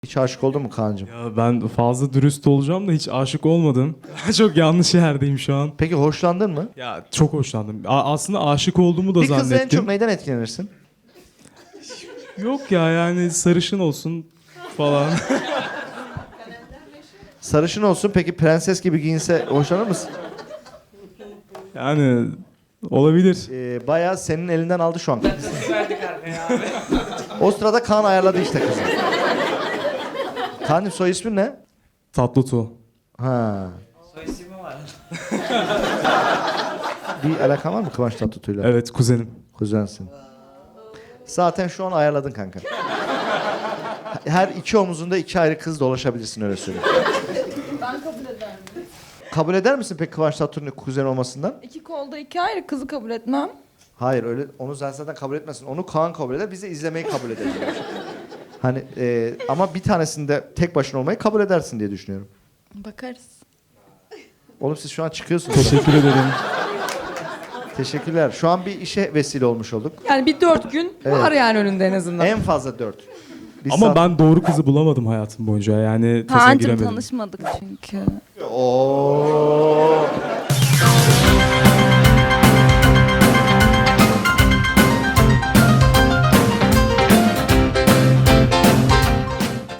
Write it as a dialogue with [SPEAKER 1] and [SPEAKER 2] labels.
[SPEAKER 1] Hiç aşık oldun mu Kaan'cığım?
[SPEAKER 2] Ya ben fazla dürüst olacağım da hiç aşık olmadım. Çok yanlış yerdeyim şu an.
[SPEAKER 1] Peki hoşlandın mı?
[SPEAKER 2] Ya çok hoşlandım. Aslında aşık olduğumu da
[SPEAKER 1] Bir kızla en
[SPEAKER 2] zannettim.
[SPEAKER 1] çok neyden etkilenirsin?
[SPEAKER 2] Yok ya yani sarışın olsun falan.
[SPEAKER 1] Sarışın olsun, peki prenses gibi giyinse hoşlanır mısın?
[SPEAKER 2] Yani olabilir.
[SPEAKER 1] Bayağı senin elinden aldı şu an. O sırada Kaan ayarladı işte kızı. Kaan'cığım soy ismin ne?
[SPEAKER 2] Tatlıtuğ.
[SPEAKER 1] Ha.
[SPEAKER 3] Soy ismi var.
[SPEAKER 1] Bir alakan var mı Kıvanç Tatlıtuğ'yla?
[SPEAKER 2] Evet kuzenim.
[SPEAKER 1] Kuzensin. Zaten şu an ayarladın kanka. Her iki omuzunda iki ayrı kız dolaşabilirsin, öyle söyleyeyim.
[SPEAKER 4] Ben kabul ederim.
[SPEAKER 1] Kabul eder misin peki Kıvanç Tatlıtuğ'un kuzen olmasından?
[SPEAKER 4] İki kolda iki ayrı kızı kabul etmem.
[SPEAKER 1] Hayır, öyle onu zaten kabul etmesin. Onu Kaan kabul eder, biz de izlemeyi kabul ederiz. Hani ama bir tanesinde tek başına olmayı kabul edersin diye düşünüyorum.
[SPEAKER 4] Bakarız.
[SPEAKER 1] Oğlum siz şu an çıkıyorsunuz.
[SPEAKER 2] Teşekkür ederim.
[SPEAKER 1] Teşekkürler. Şu an bir işe vesile olmuş olduk.
[SPEAKER 4] Yani bir 4 gün var yani önünde en azından.
[SPEAKER 1] En fazla 4.
[SPEAKER 2] Ama ben doğru kızı bulamadım hayatım boyunca. Yani tasa
[SPEAKER 5] Kaan'cığım
[SPEAKER 2] giremedim.
[SPEAKER 5] tanışmadık çünkü.
[SPEAKER 1] Oo.